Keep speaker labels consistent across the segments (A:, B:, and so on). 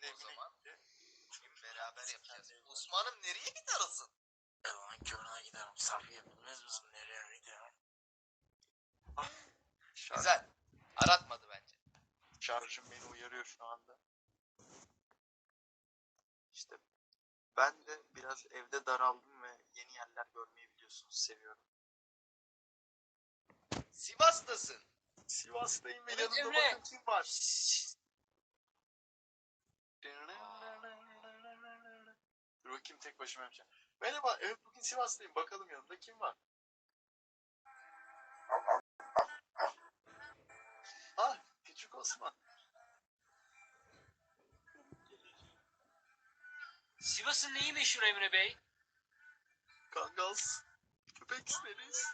A: O zaman bugün beraber yapacağız. Osman'ım nereye gidersin?
B: Yalan körüne giderim. Safiye bilmez misin nereye giderim?
A: Güzel. Aratmadı bence.
C: Şarjım beni uyarıyor şu anda. İşte ben de biraz evde daraldım ve yeni yerler görmeyi biliyorsunuz seviyorum.
A: Sivas'tasın.
C: Sivas'tayım ve
B: Evet,
C: yanımda
B: Emre.
C: bakın kim var. Dur bakayım tek başıma yapacağım. Merhaba, evet bugün Sivas'tayım. Bakalım yanımda kim var? Ah, küçük Osman.
B: Sivas'ın neyi meşhur Emre Bey?
C: Kangal, köpek isteriz.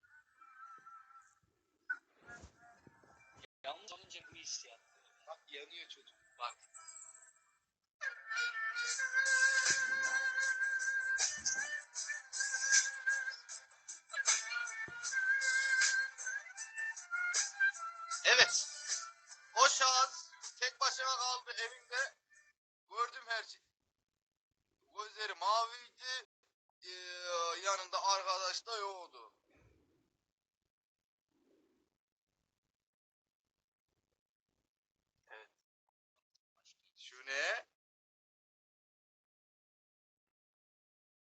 B: Yalnız olunca bu hissiyat.
A: Bak yanıyor çocuk. Bak. Evet. O şahıs tek başına kaldı evinde. Gördüm her şey. Gözleri maviydi. Yanında arkadaş da yoktu.
C: Evet.
A: Şu ne?